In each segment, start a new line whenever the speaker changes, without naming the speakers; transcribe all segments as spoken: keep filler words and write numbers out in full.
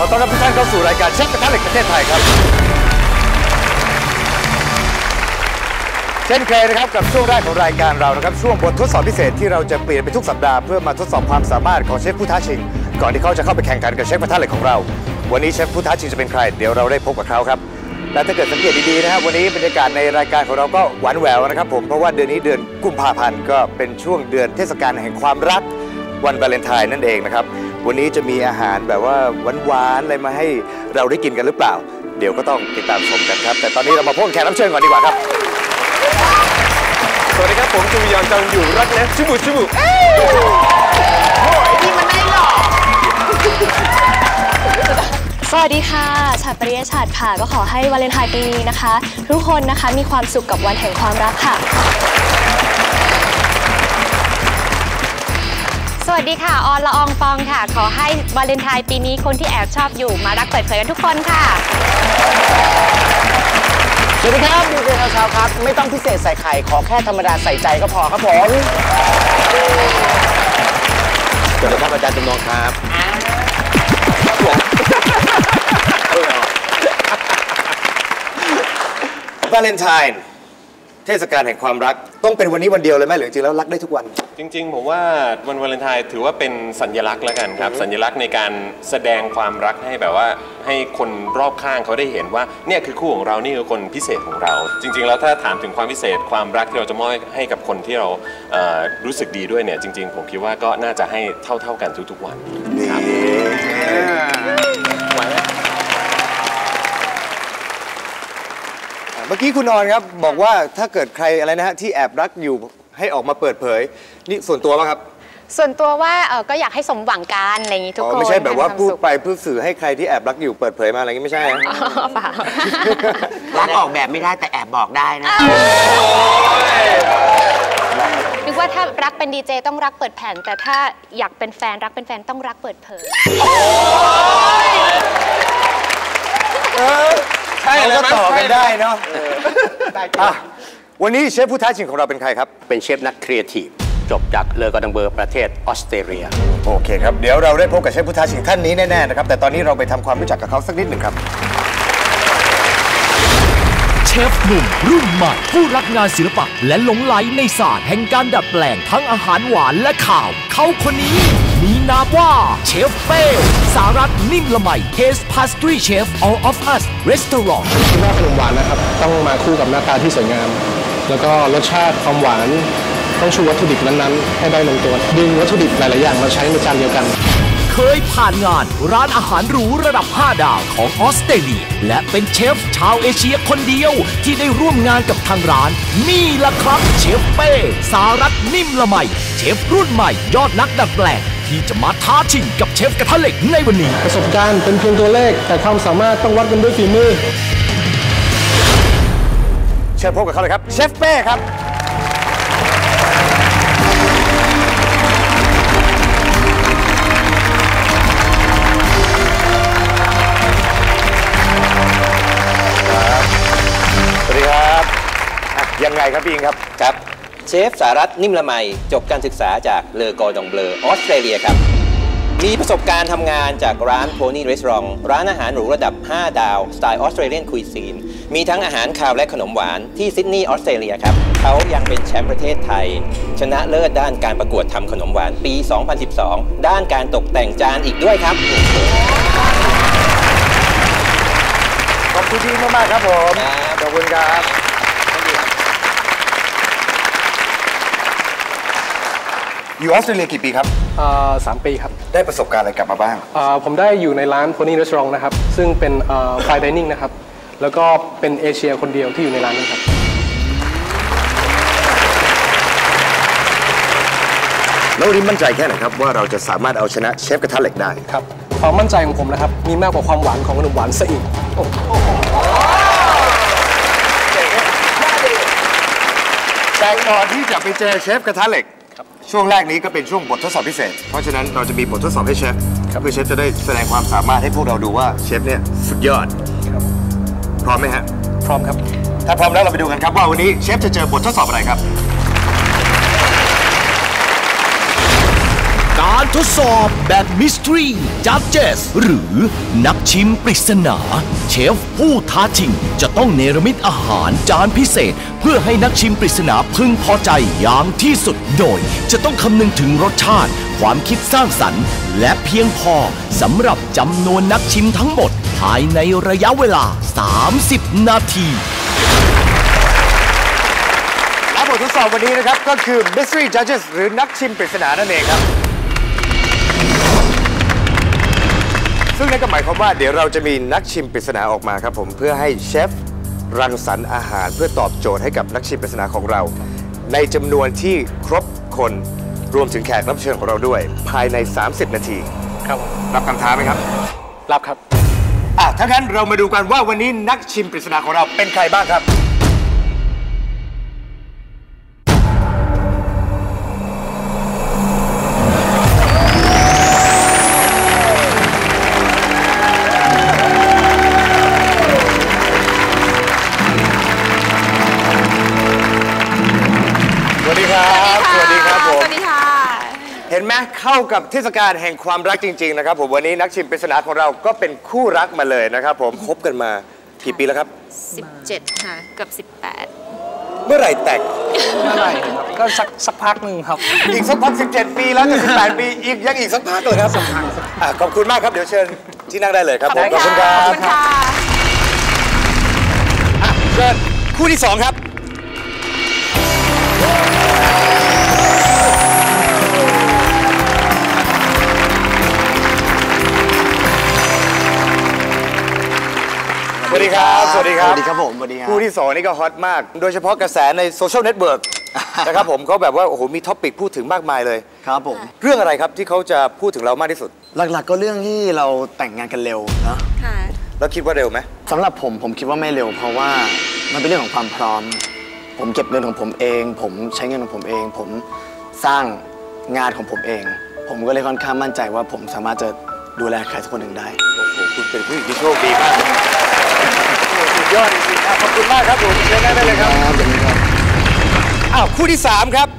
อต้อนรับทุกท่านเข้าสู่รายการเชฟกระทะเหล็กประเทศไทยครับเช่นเคยนะครับกับช่วงแรกของรายการเรานะครับช่วงบททดสอบพิเศษที่เราจะเปลี่ยนไปทุกสัปดาห์เพื่อมาทดสอบความสามารถของเชฟผู้ท้าชิงก่อนที่เขาจะเข้าไปแข่งขันกับเชฟกระทะเหล็กของเราวันนี้เชฟผู้ท้าชิงจะเป็นใครเดี๋ยวเราได้พบกับเขาครับและถ้าเกิดสังเกตดีๆนะครับวันนี้บรรยากาศในรายการของเราก็หวานแหววนะครับผมเพราะว่าเดือนนี้เดือนกุมภาพันธ์ก็เป็นช่วงเดือนเทศกาลแห่งความรักวันวาเลนไทน์นั่นเองนะครับวันนี้จะมีอาหารแบบว่าหวานๆอะไรมาให้เราได้กินกันหรือเปล่าเดี๋ยวก็ต้องติดตามชมกันครับแต่ตอนนี้เรามาพบแขกรับเชิญก่อนดีกว่าครับสวัสดีครับผมจูยอนจังอยู่รักนะชิบุชิบุโอ้ยนี่มันได้หรอ
สวัสดีค่ะฉัตรปริยฉัตรค่ะก็ขอให้วาเลนไทน์ปีนี้นะคะทุกคนนะคะมีความสุขกับวันแห่งความรักค่ะ
สวัสดีค่ะออนละอองฟองค่ะขอให้วาเลนไทน์ปีนี้คนที่แอบชอบอยู่มารักเปิดเผยกันทุกคนค่ะ
สวัสดีครับดีเจชาวครับไม่ต้องพิเศษใส่ไข่ขอแค่ธรรมดาใส่ใจก็พอครับผม
สวัสดีครับอาจารย์จำลองครับวาเลนไทน์เทศกาลแห่งความรักต้องเป็นวันนี้วันเดียวเลยไหมหรือจริงแล้วรักได้ทุกวัน
จริงๆผมว่าวันวาเลนไทน์ถือว่าเป็นสัญลักษณ์แล้วกันครับสัญลักษณ์ในการแสดงความรักให้แบบว่าให้คนรอบข้างเขาได้เห็นว่าเนี่ยคือคู่ของเรานี่คือคนพิเศษของเราจริงๆแล้วถ้าถามถึงความพิเศษความรักที่เราจะมอบให้กับคนที่เรารู้สึกดีด้วยเนี่ยจริงๆผมคิดว่าก็น่าจะให้เท่าๆกันทุกๆวันครับ
เมื่อกี้คุณนอนครับบอกว่าถ้าเกิดใครอะไรนะฮะที่แอบรักอยู่ให้ออกมาเปิดเผยนี่ส่วนตัวป่ะครับ
ส่วนตัวว่าเออก็อยากให้สมหวังกันอะไรอย่างนี้ทุกคน
ไม่ใช่แบบว่าพูดไปเพื่อสื่อให้ใครที่แอบรักอยู่เปิดเผยมาอะไรอย่างนี้ไม่ใช่
เปล่า
รักออกแบบไม่ได้แต่แอบบอกได้นะ
นึกว่าถ้ารักเป็นดีเจต้องรักเปิดแผ่นแต่ถ้าอยากเป็นแฟนรักเป็นแฟนต้องรักเปิดเผย
ใช่แล้วต่อกันได้เนาะวันนี้เชฟผู้ท้าชิงของเราเป็นใครครับ
เป็นเชฟนักครีเอทีฟจบจากเลอกอดังเบอร์ประเทศออสเตรเลีย
โอเคครับเดี๋ยวเราได้พบกับเชฟผู้ท้าชิงท่านนี้แน่ๆนะครับแต่ตอนนี้เราไปทำความรู้จักกับเขาสักนิดหนึ่งครับ
เชฟหนุ่มรุ่นใหม่ผู้รักงานศิลปะและหลงไหลในศาสตร์แห่งการดัดแปลงทั้งอาหารหวานและข่าวเขาคนนี้มีนามว่าเชฟเป้สารัตน์นิ่มละไม Taste Pastry Chef All of Us Restaurant
หน้าขนมหวานนะครับต้องมาคู่กับหน้าตาที่สวยงามแล้วก็รสชาติความหวานต้องชูวัตถุดิบนั้นๆให้ได้ลงตัวดึงวัตถุดิบหลายๆอย่างมาใช้ในจานเดียวกัน
เคยผ่านงานร้านอาหารหรูระดับห้าดาวของออสเตรเลียและเป็นเชฟชาวเอเชียคนเดียวที่ได้ร่วมงานกับทางร้านนี่ล่ะครับเชฟเป้สารัตน์นิ่มละไมเชฟรุ่นใหม่ยอดนักดัดแปลงที่จะมาท้าชิงกับเชฟกระทะเหล็กในวันนี้
ประสบการณ์เป็นเพียงตัวเลขแต่ความสามารถต้องวัดกันด้วยฝีมือ
เชิญพบกับเขาเลยครับเชฟเป้ครับสวัสดีครับยังไงครับพี่อิงครับ
ครับเชฟสารัตน์นิ่มละไมจบการศึกษาจากเลอกอร์ดองเบลอออสเตรเลียครับมีประสบการณ์ทำงานจากร้านโพนี่รีสอร์ทร้านอาหารหรูระดับห้าดาวสไตล์ออสเตรเลียนคุยซีนมีทั้งอาหารคาวและขนมหวานที่ซิดนีย์ออสเตรเลียครับเขายังเป็นแชมป์ประเทศไทยชนะเลิศด้านการประกวดทำขนมหวานปี สองพันสิบสอง ด้านการตกแต่งจานอีกด้วยครับ
ขอบคุณพี่มากๆครับผมขอบคุณครับอยู่ออสเตรเลียกี่ปีครับ
สามปีครับ
ได้ประสบการณ์อะไรกลับมาบ้าง
ผมได้อยู่ในร้าน Pony Restaurant นะครับซึ่งเป็นไฟน์ไดนิ่งนะครับแล้วก็เป็นเอเชียคนเดียวที่อยู่ในร้านนี้ครับ
แล้ววันนี้มั่นใจแค่ไหนครับว่าเราจะสามารถเอาชนะเชฟกระทะเหล็กได้
ครับความมั่นใจของผมนะครับมีมากกว่าความหวานของขนมหวานซะอีก
แต่ก่อนที่จะไปเจอเชฟกระทะเหล็กช่วงแรกนี้ก็เป็นช่วงบททดสอบพิเศษเพราะฉะนั้นเราจะมีบททดสอบให้เชฟเพื่อเชฟจะได้แสดงความสามารถให้พวกเราดูว่าเชฟเนี่ยสุดยอดพร้อมไหมฮะ
พร้อมครับ
ถ้าพร้อมแล้วเราไปดูกันครับว่าวันนี้เชฟจะเจอบททดสอบอะไรครับ
การทดสอบแบบ Mystery Judges หรือนักชิมปริศนาเชฟผู้ท้าชิงจะต้องเนรมิตอาหารจานพิเศษเพื่อให้นักชิมปริศนาพึงพอใจอย่างที่สุดโดยจะต้องคำนึงถึงรสชาติความคิดสร้างสรรค์และเพียงพอสำหรับจำนวนนักชิมทั้งหมดภายในระยะเวลาสามสิบนาที
และบททดสอบวันนี้นะครับก็คือ Mystery Judges หรือนักชิมปริศนานั่นเองครับซึ่งนั่นก็หมายความว่าเดี๋ยวเราจะมีนักชิมปริศนาออกมาครับผมเพื่อให้เชฟรังสรรค์อาหารเพื่อตอบโจทย์ให้กับนักชิมปริศนาของเราในจำนวนที่ครบคนรวมถึงแขกรับเชิญของเราด้วยภายในสามสิบนาทีครับรับคำท้าไหมครับรับครับอ่ะถ้างั้นเรามาดูกันว่าวันนี้นักชิมปริศนาของเราเป็นใครบ้างครับสวัสดีครับสวัสดีครับผมสวัสดีค่ะเห็นไหมเข้ากับเทศกาลแห่งความรักจริงๆนะครับผมวันนี้นักชิมปริศนาของเราก็เป็นคู่รักมาเลยนะครับผมคบกันมากี่ปีแล้วครับ
สิบเจ็ดค่ะเกือบสิบแปด
เมื่อไหร่แต่ง
เมื่อไหร่ครับก็สักสักพักหนึ่งครับ
อีกสักพักสิบเจ็ดปีแล้วจะสิบแปดปีอีกยังอีกสักพักเลยครับสักพักขอบคุณมากครับเดี๋ยวเชิญที่นั่งได้เลยครับผมขอบคุณครับขอบคุณค่ะเชิญคู่ที่สองครับสวัสดีครับสวัสดีครับ
สวัสดีครับผมสวัสดีครับ
คู่ที่สองนี่ก็ฮอตมากโดยเฉพาะกระแสในโซเชียลเน็ตเวิร์กนะครับผมเขาแบบว่าโอ้โหมีท็อปิกพูดถึงมากมายเลย
ครับผม
เรื่องอะไรครับที่เขาจะพูดถึงเรามากที่สุด
หลักๆก็เรื่องที่เราแต่งงานกันเร็วนะ
ค่ะแล้วคิดว่าเร็วไหม
สำหรับผมผมคิดว่าไม่เร็วเพราะว่ามันเป็นเรื่องของความพร้อมผมเก็บเงินของผมเองผมใช้เงินของผมเองผมสร้างงานของผมเองผมก็เลยค่อนข้างมั่นใจว่าผมสามารถจะดูแลใครสักคนหนึ่งได้
โอ้โหคุณเป็นผู้หญิงที่โชคดีมากสุดยอดจริงๆขอบคุณมากครับผมเชิญได้เลยครับอ้าวคู่ที่สามครับ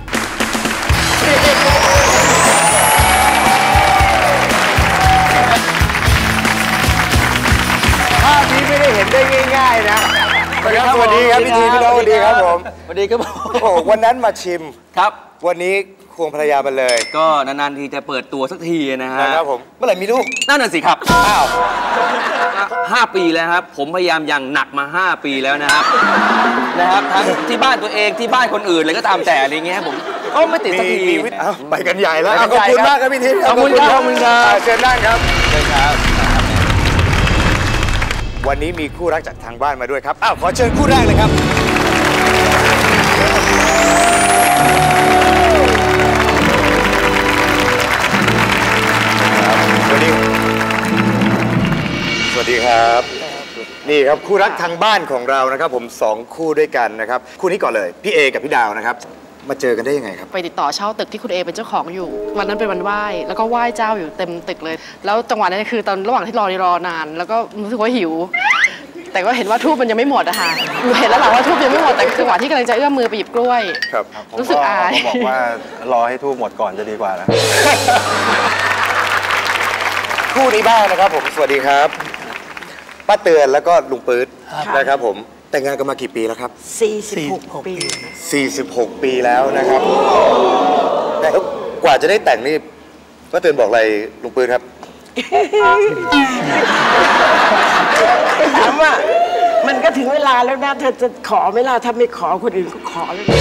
ภาพนี้ไม่ได้เห็นได้ง่ายๆนะสวัสดีครับสวัสดีครับพี่ทีพี่น้องสวัสดีครับผม
สวัสดีครับผม
โอ้วันนั้นมาชิม
ครับ
วันนี้ควงภรรยามาเลย
ก็นานๆทีจะเปิดตัวสักทีนะฮะ
นะครับผมเมื่อไหร่มีลูก
นั่นน่ะสิครับอ้าวห้าปีแล้วครับผมพยายามอย่างหนักมาห้าปีแล้วนะครับนะครับทั้งที่บ้านตัวเองที่บ้านคนอื่นอะไรก็ตามแต่อะไรเงี้ยผมก็ไม่ติดสักที
ไปกันใหญ่แล้วขอบคุณมากครับพี่ทิพย์
ขอบคุณครับขอบคุณครับ
เชิญนั่งครับเชิญครับวันนี้มีคู่รักจากทางบ้านมาด้วยครับอ้าวขอเชิญคู่แรกเลยครับสวัสดีสวัสดีครับนี่ครับคู่รักทางบ้านของเรานะครับผมสองคู่ด้วยกันนะครับคู่นี้ก่อนเลยพี่เอกับพี่ดาวนะครับมาเจอกันได้ยังไงครับ
ไปติดต่อเช่าตึกที่คุณเอเป็นเจ้าของอยู่วันนั้นเป็นวันไหว้แล้วก็ไหว้เจ้าอยู่เต็มตึกเลยแล้วจังหวะนั้นคือตอนระหว่างที่รอรอนานแล้วก็รู้สึกว่าหิวแต่ก็เห็นว่าทูบมันยังไม่หมดอะค่ะเห็นแล้วแหละว่าทูบยังไม่หมดแต่จังหวะที่กำลังจะเอื้อมมือไปหยิบกล้วย
ครับ
รู้สึกอาย
บอกว่ารอให้ทูบหมดก่อนจะดีกว่านะ
คู่นี้บ้างนะครับผมสวัสดีครับป้าเตือนแล้วก็ลุงปื๊ดนะครับผมแต่งงานกันมากี่ปีแล้วครับ
สี่สิบหกปี
สี่สิบหกปีแล้วนะครับแต่กว่าจะได้แต่งนี่ป้าเตือนบอกอะไรลุงปื๊ดครับ
ถามว่ามันก็ถึงเวลาแล้วนะเธอจะขอไหมล่ะถ้าไม่ขอคนอื่นก็ขอแล้ว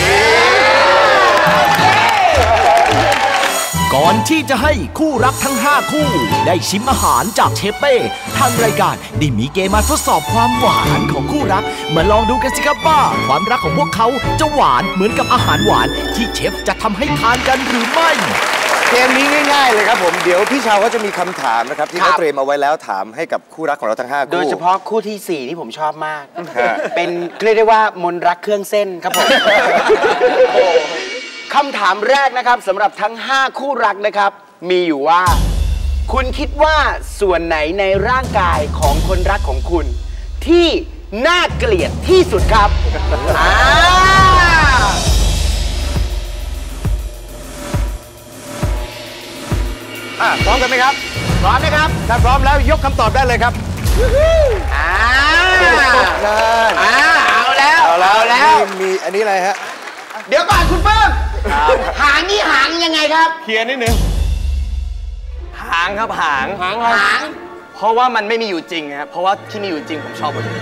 ก่อนที่จะให้คู่รักทั้งห้าคู่ได้ชิมอาหารจากเชฟเป้ทางรายการได้มีเกมมาทดสอบความหวานของคู่รักมาลองดูกันสิครับว่าความรักของพวกเขาจะหวานเหมือนกับอาหารหวานที่เชฟจะทำให้ทานกันหรือไม่
เกมนี้ง่ายๆเลยครับผมเดี๋ยวพี่ชาวก็จะมีคำถามนะครับที่เขาเตรียมเอาไว้แล้วถามให้กับคู่รักของเราทั้งห้าคู่
โดยเฉพาะคู่ที่สี่ที่ผมชอบมากเป็นเรียกได้ว่ามนรักเครื่องเส้นครับผมคำถามแรกนะครับสำหรับทั้งห้าคู่รักนะครับมีอยู่ว่าคุณคิดว่าส่วนไหนในร่างกายของคนรักของคุณที่น่าเกลียดที่สุดครับอ่า
ร้อมกันไหมครับพร้อมนะครับถ้าพร้อมแล้วยกคำตอบได้เลยครับอ่าอ่าเอาแล้วเอาแล้วมีอันนี้อะไรฮะเดี๋ยวก่อนคุณเปิ้มหางนี่หางยังไงครับเคลียร์นิดนึง
หางครับหางหางหางเพราะว่ามันไม่มีอยู่จริงครับเพราะว่าที่มีอยู่จริงผมชอบหมดเลย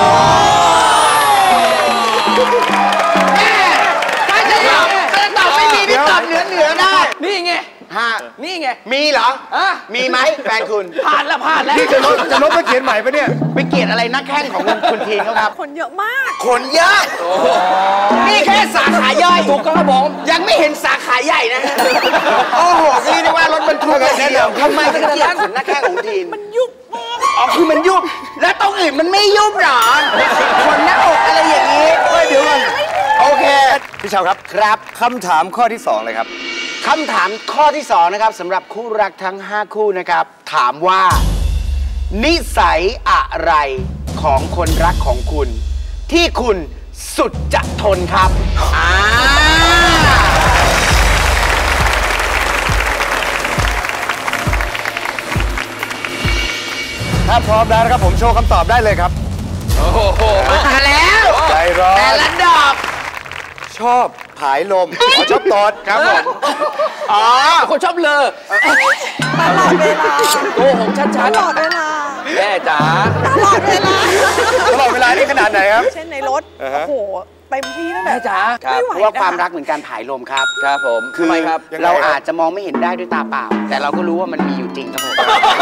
ถ้าจะตอบถ้าจะตอบไม่มีนี่ตอบเหนือเหนือได้นี่ไงฮะนี่ไงมีเหรอมีไหมแฟนคุณผ่านแล้วผ่านแล้ว
นี่จะลบจะลบไปเขียนใหม่ปะเนี่ย
ไปเกลียดอะไรนักแข่งของคุณทีนเขาครับ
คนเยอะมาก
คนเยอะนี่แค่สาขาย่อยถูกครับผมยังไม่เห็นสาขาใหญ่นะโอ้โหนี่เรียกว่ารถบรรทุกกันเดียวทำไมถึงเกลียดขนนักแข่งของทีน
มันยุบมาก
อ๋อคือมันยุบแล้วตรงอื่นมันไม่ยุบหรอขนหน้าอกอะไรอย่างนี้เดี๋ยวก่อนโอเค
พี่เชาครับ
ครับ
คำถามข้อที่สองเลยครับ
คำถามข้อที่สองนะครับสำหรับคู่รักทั้งห้าคู่นะครับถามว่านิสัยอะไรของคนรักของคุณที่คุณสุดจะทนครับอ่า
ถ้าพร้อมแล้วนะครับผมโชว์คำตอบได้เลยครับ
โอ้โหมาแล้ว
ใจร้อน
แต่ละดอก
ชอบผายลมขอชอบตอดครับผม
อ๋อคนชอบเลอ
ตลอดเวลา
โกหกชัดๆ
ตลอดเวลา
แม่จ๋า
ตลอดเวลา
ตลอดเวลานี่ขนาดไหนครับ
เช่นในรถโอ้โหเต็มที่นั่นแหละ
แม่จ๋าเพราะว่าความรักเหมือนการผายลมครับครับผมคือเราอาจจะมองไม่เห็นได้ด้วยตาเปล่าแต่เราก็รู้ว่ามันมีอยู่จริงครับผม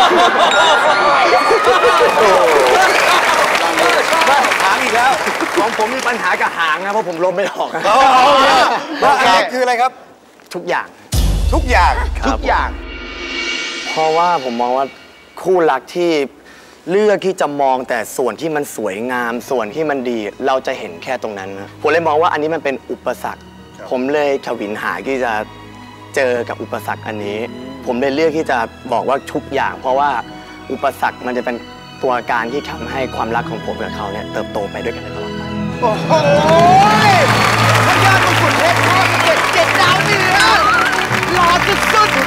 หางอีกแล้ว
ของผมมีปัญหากับหางนะเพราะผมลมไม่ออก
ว่าอะไรคืออะไรครับ
ทุกอย่าง
ทุกอย่าง
ทุกอย่างเพราะว่าผมมองว่าคู่รักที่เลือกที่จะมองแต่ส่วนที่มันสวยงามส่วนที่มันดีเราจะเห็นแค่ตรงนั้นนะผมเลยมองว่าอันนี้มันเป็นอุปสรรคผมเลยฉวินหาที่จะเจอกับอุปสรรคอันนี้ผมเลยเลือกที่จะบอกว่าทุกอย่างเพราะว่าอุปสรรคมันจะเป็นตัวการที่ทำให้ความรักของผมกับเขาเนี่ยเติบโตไปด้วยกันตลอดไป
โอ้โหพญามงกุฎเพชรพ่อเจ็ดเจ็ดดาวเหนือหล่อสุดสุด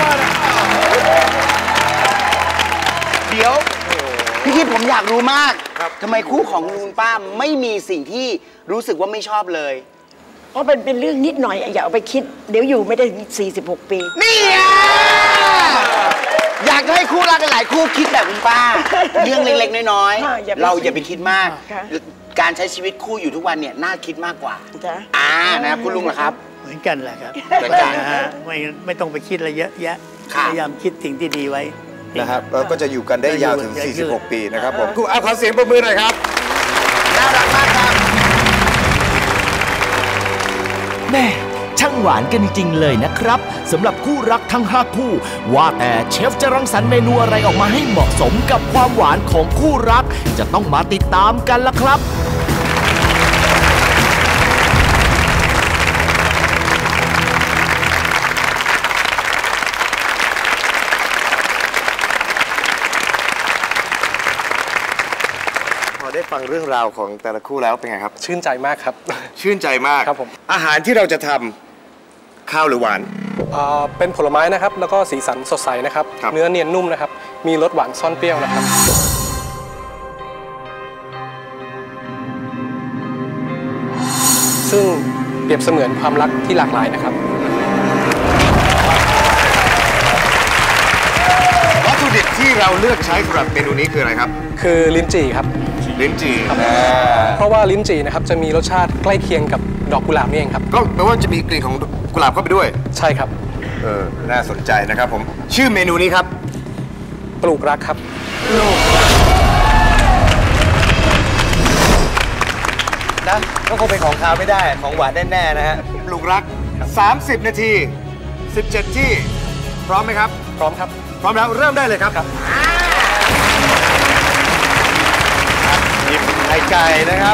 เดี๋ยวพี่คิดผมอยากรู้มากทำไมคู่ของลุงป้าไม่มีสิ่งที่รู้สึกว่าไม่ชอบเลย
เพราะเป็นเป็นเรื่องนิดหน่อยอย่าเอาไปคิดเดี๋ยวอยู่ไม่ได้สี่สิบหกปี
นี่ไงอยากให้คู่รักหลายคู่คิดแบบคุณป้าเรื่องเล็กๆน้อยๆเราอย่าไปคิดมากการใช้ชีวิตคู่อยู่ทุกวันเนี่ยน่าคิดมากกว่าอ่านะคุณลุงเหรอครับ
เหมือนกันแหละครับเหมือนกันนะฮะไม่ไม่ต้องไปคิดอะไรเยอะแยะพยายามคิดสิ่งที่ดีไว้
นะครับเราก็จะอยู่กันได้ยาวถึงสี่สิบหกปีนะครับผมเอาขอเสียงปรบมือหน่อยครับ
น่ารักมากครับ
แม่ช่างหวานกันจริงๆเลยนะครับสำหรับคู่รักทั้งห้าคู่ว่าแต่เชฟจะรังสรรค์เมนูอะไรออกมาให้เหมาะสมกับความหวานของคู่รักจะต้องมาติดตามกันละครับ
ได้ฟังเรื่องราวของแต่ละคู่แล้วเป็นไงครับ
ชื่นใจมากครับ
ชื่นใจมาก
ครับผม
อาหารที่เราจะทำข้าวหรือหวาน
เป็นผลไม้นะครับแล้วก็สีสันสดใสนะครับเนื้อเนียนนุ่มนะครับมีรสหวานซ่อนเปรี้ยวนะครับซึ่งเปรียบเสมือนความรักที่หลากหลายนะครับ
วัตถุดิบที่เราเลือกใช้สำหรับเมนูนี้คืออะไรครับ
คือลิ้นจี่ครับ
ลิ้นจี่
เพราะว่าลิ้นจี่นะครับจะมีรสชาติใกล้เคียงกับดอกกุหลาบนี่เองครับ
ก็แปลว่าจะมีกลิ่นของกุหลาบเข้าไปด้วย
ใช่ครับ
เออน่าสนใจนะครับผมชื่อเมนูนี้ครับ
ปลูกรักครับ
นะก็คงเป็นของคาวไม่ได้ของหวานแน่ๆนะฮะปลูกรักสามสิบนาทีสิบเจ็ดที่พร้อมไหมครับ
พร้อมครับ
พร้อมแล้วเริ่มได้เลยครับหยิบไข่ไก่นะครับ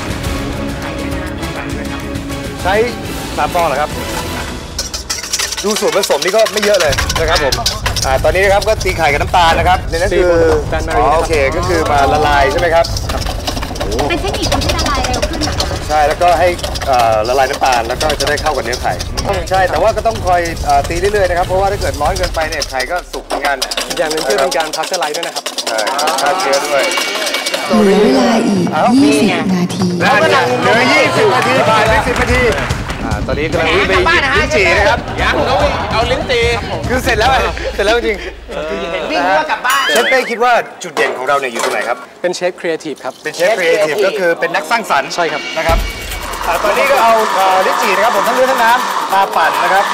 ใช้สามฟองเหรอครับดูส่วนผสมนี่ก็ไม่เยอะเลยนะครับผมอ่าตอนนี้นะครับก็ตีไข่กับน้ำตาลนะครับในนั้นคืออ๋อโอเคก็คือมาละลายใช่ไหมครับ
เป็นเทคนิคทำให้ละลายเร็วขึ้นเหรอคะ
ใช่แล้วก็ให้ละลายน้ำตาลแล้วก็จะได้เข้ากับเนื้อไข่ใช่แต่ว่าก็ต้องคอยตีเรื่อยๆนะครับเพราะว่าถ้าเกิดร้อนเกินไปเนี่ยไข่ก็สุกเหมือนกัน
อย่างนึงคือเป็นการพัชเจอร์ไลซ์ด้วยนะครับ
ใช่ฆ่าเชื้อด้วย
เหลือเวลาอีกยี่สิบนาที
เหลือยี่สิบนาทีผ่านไปสิบนาทีตอนนี้กำลังวิ่งไปลิ้นจี่นะครับ
ยังเขาเอาลิ้นจี่
คือเสร็จแล้วเสร็จแล้วจริง
วิ่งว่ากลับบ้าน
เชฟเป้คิดว่าจุดเด่นของเราเนี่ยอยู่ตรงไหนครับ
เป็นเชฟครีเอทีฟครับ
เป็นเชฟครีเอทีฟก็คือเป็นนักสร้างสรรค์
ใช่ครับ
นะครับตอนนี้ก็เอาลิ้นจี่นะครับผมทั้งเลือดทั้งน้ำมาปั่นนะครับ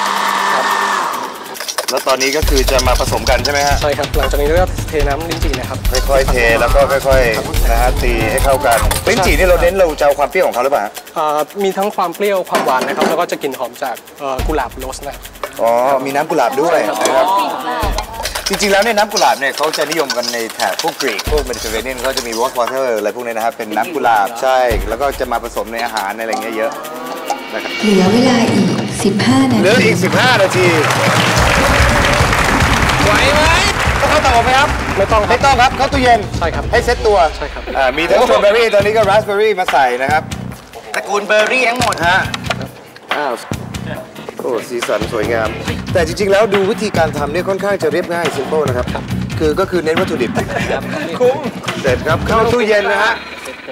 แล้วตอนนี้ก็คือจะมาผสมกันใช่ไหมฮะ
ใช่ครับหลังจากนี้ก็เทน้ำลิ้นจี่นะครับ
ค่อยๆเทแล้วก็ค่อยๆนะฮะตีให้เข้ากันลิ้นจี่นี่เราเน้นเราจะเอาความเปรี้ยวของเขาหรือเปล่า
มีทั้งความเปรี้ยวความหวานนะครับแล้วก็จะกลิ่นหอมจากกุหลาบโรสนะ
อ๋อมีน้ำกุหลาบด้วยนะครับจริงๆแล้วเนี่ยน้ำกุหลาบเนี่ยเขาจะนิยมกันในแถบพวกกรีกพวกเมดิเตอร์เรเนียนเขาจะมีวอตวอเตอร์อะไรพวกนี้นะครับเป็นน้ำกุหลาบใช่แล้วก็จะมาผสมในอาหารในอะไรเงี้ยเยอะนะครับ
เหลือเวลาอีกสิบห้านาที
เหลืออีกสิบห้านาทีไหวไหมต้องเข้าเตาอบไหมครับ
ไม่ต้อง
ไม่ต้องครับเข้าตู้เย็น
ใช่ครับ
ให้เซ็ตตัว
ใช่ครับ
มีทั้งสตรอเบอรี่ตอนนี้ก็ราสเบอรี่มาใส่นะครับ
ตระกูลเบอร์รี่ทั้งหมด
ฮะอ้าวโอ้สีสันสวยงามแต่จริงๆแล้วดูวิธีการทำเนี่ยค่อนข้างจะเรียบง่ายซิมเปิลนะครับคือก็คือเน้นวัตถุดิบ
คุ้ม
เสร็จครับเข้าตู้เย็นนะฮะ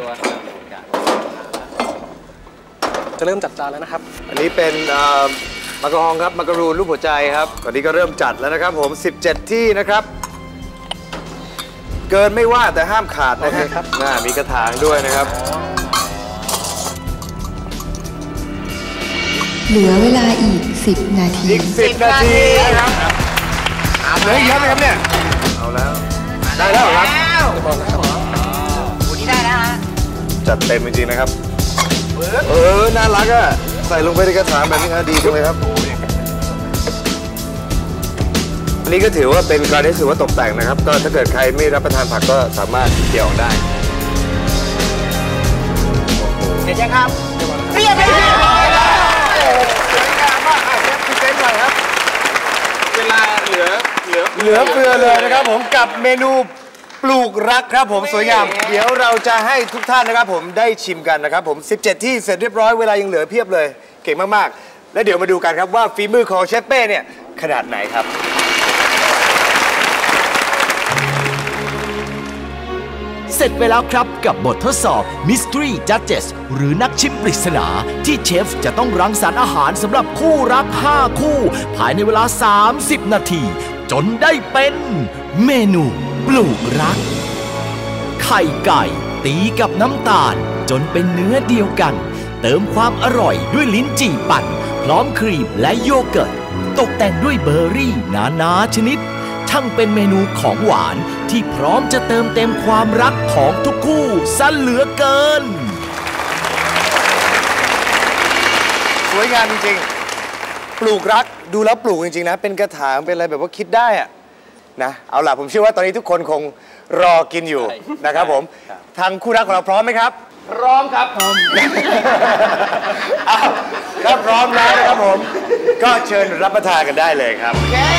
จะเริ่มจัดจานแล้วนะครับ
อันนี้เป็นมะกะฮองครับมะกะรูนรูปหัวใจครับตอนนี้ก็เริ่มจัดแล้วนะครับผมสิบเจ็ดที่นะครับเกินไม่ว่าแต่ห้ามขาดนะครับน่ามีกระถางด้วยนะครับ
เหลือเวลาอีกสิบนาที
อีกสิบนาทีนะครับเหลือเยอะไหมครับเนี่ยเอาแล้วได้แล้วครับ
โอ้นี่ได้แล้วฮะ
จัดเต็มจริงๆนะครับเออน่ารักอ่ะใส่ลงไปในกระถางแบบนี้ดีจังเลยครับอันนี้ก็ถือว่าเป็นการที่ถือว่าตกแต่งนะครับก็ถ้าเกิดใครไม่รับประทานผักก็สามารถเกี่ยวได้
เสร็จยังครับเรียบร้อยแล้ว
สวยงามมากเชฟพรีเซนต์หน่อยครับ
เวลาเหลือเหลือ
เหลือเฟือเลยนะครับผมกับเมนูปลูกรักครับผมสวยงามเดี๋ยวเราจะให้ทุกท่านนะครับผมได้ชิมกันนะครับผมสิบเจ็ดที่เสร็จเรียบร้อยเวลายังเหลือเพียบเลยเก่งมากๆและเดี๋ยวมาดูกันครับว่าฝีมือของเชฟเป้เนี่ยขนาดไหนครับ
เสร็จไปแล้วครับกับบททดสอบ Mystery Judges หรือนักชิมปริศนาที่เชฟจะต้องรังสรรค์อาหารสำหรับคู่รักห้าคู่ภายในเวลาสามสิบนาทีจนได้เป็นเมนูปลูกรักไข่ไก่ตีกับน้ำตาลจนเป็นเนื้อเดียวกันเติมความอร่อยด้วยลิ้นจี่ปั่นพร้อมครีมและโยเกิร์ตตกแต่งด้วยเบอร์รี่นานาชนิดช่างเป็นเมนูของหวานที่พร้อมจะเติมเต็มความรักของทุกคู่ซะเหลือเกิน
สวยงามจริงๆปลูกรักดูแล้วปลูกจริงๆนะเป็นกระถางเป็นอะไรแบบว่าคิดได้อะนะเอาล่ะผมเชื่อว่าตอนนี้ทุกคนคงรอกินอยู่นะครับผมทางคู่รักของเราพร้อมไหมครับ
พร้อมครับพร้อม
ถ้าพร้อมแล้วนะครับผมก็เชิญรับประทานกันได้เลยครับ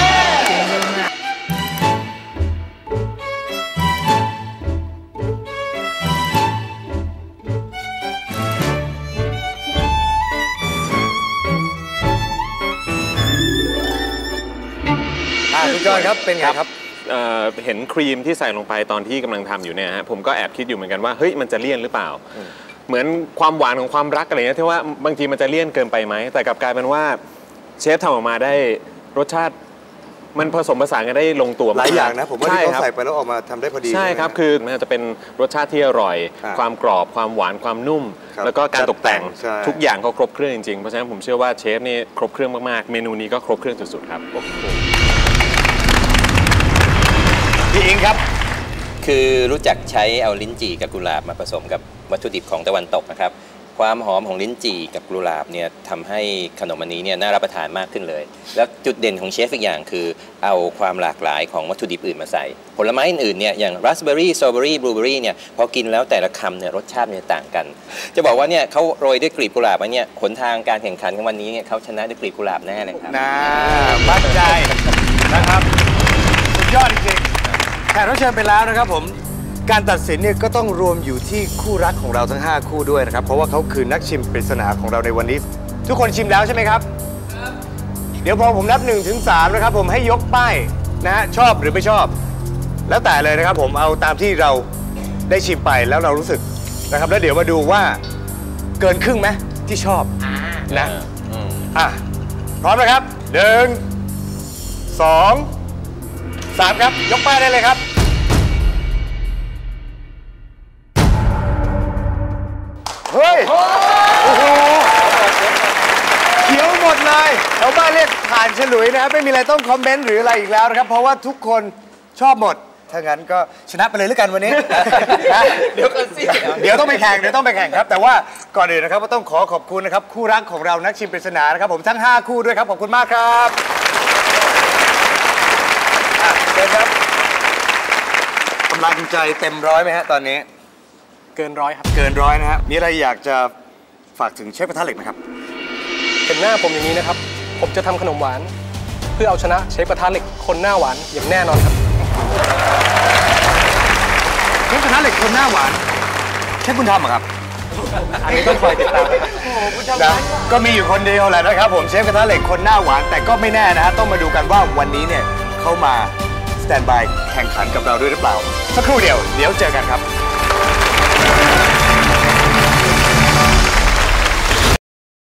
คุณจอยครับเป็นไงครับ
เห็นครีมที่ใส่ลงไปตอนที่กำลังทำอยู่เนี่ยฮะผมก็แอบคิดอยู่เหมือนกันว่าเฮ้ยมันจะเลี่ยนหรือเปล่าเหมือนความหวานของความรักอะไรเงี้ยที่ว่าบางทีมันจะเลี่ยนเกินไปไหมแต่กลับกลายเป็นว่าเชฟทำออกมาได้รสชาติมันผสมผสานกันได้ลงตัว
หลายอย่างนะผมว่าที่เขาใส่ไปแล้วออกมาทำได้พอดี
ใช่ครับคือมันจะเป็นรสชาติที่อร่อยความกรอบความหวานความนุ่มแล้วก็การตกแต่งทุกอย่างเขาครบเครื่องจริงๆเพราะฉะนั้นผมเชื่อว่าเชฟนี่ครบเครื่องมากๆเมนูนี้ก็ครบเครื่องสุดๆครับ
พี่อิงครับ
คือรู้จักใช้เอาลิ้นจี่กับกุหลาบมาผสมกับวัตถุดิบของตะวันตกนะครับความหอมของลิ้นจี่กับกุหลาบเนี่ยทำให้ขนมอันนี้เนี่ยน่ารับประทานมากขึ้นเลยแล้วจุดเด่นของเชฟอีกอย่างคือเอาความหลากหลายของวัตถุดิบอื่นมาใส่ผลไม้อื่นๆเนี่ยอย่างราสเบอร์รี่สตรอเบอร์รี่บลูเบอร์รี่เนี่ยพอกินแล้วแต่ละคำเนี่ยรสชาติเนี่ยต่างกันจะบอกว่าเนี่ยเขาโรยด้วยกลีบกุหลาบเนี่ยหนทางการแข่งขันของวันนี้เนี่ยเขาชนะด้วยกลีบกุหลาบแน่เลยครับ
น่ามั่นใจนะครับสุดยอดจริงแขกรับเชิญไปแล้วนะครับผมการตัดสินเนี่ยก็ต้องรวมอยู่ที่คู่รักของเราทั้งห้าคู่ด้วยนะครับเพราะว่าเขาคือนักชิมปริศนาของเราในวันนี้ทุกคนชิมแล้วใช่ไหมครับเดี๋ยวพอผมนับหนึ่งถึงสามนะครับผมให้ยกป้ายนะฮะชอบหรือไม่ชอบแล้วแต่เลยนะครับผมเอาตามที่เราได้ชิมไปแล้วเรารู้สึกนะครับแล้วเดี๋ยวมาดูว่าเกินครึ่งไหมที่ชอบนะอ่ะพร้อมนะครับหนึ่งสองสามครับยกป้ายได้เลยครับเฮ้ยโอ้โหเขียวหมดเลยชาวบ้านเรียกผ่านฉลุยนะครับไม่มีอะไรต้องคอมเมนต์หรืออะไรอีกแล้วนะครับเพราะว่าทุกคนชอบหมดถ้างั้นก็ชนะไปเลยแล้วกันวันนี้
เดี๋ยวกันสิ
เดี๋ยวต้องไปแข่งเดี๋ยวต้องไปแข่งครับแต่ว่าก่อนอื่นนะครับก็ต้องขอขอบคุณนะครับคู่รักของเรานักชิมปริศนานะครับผมทั้งห้าคู่ด้วยครับขอบคุณมากครับเชิญครับกำลังใจเต็มร้อยไหมฮะตอนนี้
เกินร้อยครับ
เกินร้อยนะฮะมีอะไรอยากจะฝากถึงเชฟกระทะเหล็กนะครับ
เห็นหน้าผมอย่างนี้นะครับผมจะทำขนมหวานเพื่อเอาชนะเชฟกระทะเหล็กคนหน้าหวานอย่างแน่นอนครับ
เชฟกระทะเหล็กคนหน้าหวานเชฟคุณทำเหรอครับ
อันนี้ต้องคอยติดตาม
นะก็มีอยู่คนเดียวแหละนะครับผมเชฟกระทะเหล็กคนหน้าหวานแต่ก็ไม่แน่นะฮะต้องมาดูกันว่าวันนี้เนี่ยเข้ามาสแตนบายแข่งขันกับเราด้วยหรือเปล่าสักครู่เดียวเดี๋ยวเจอกันครับ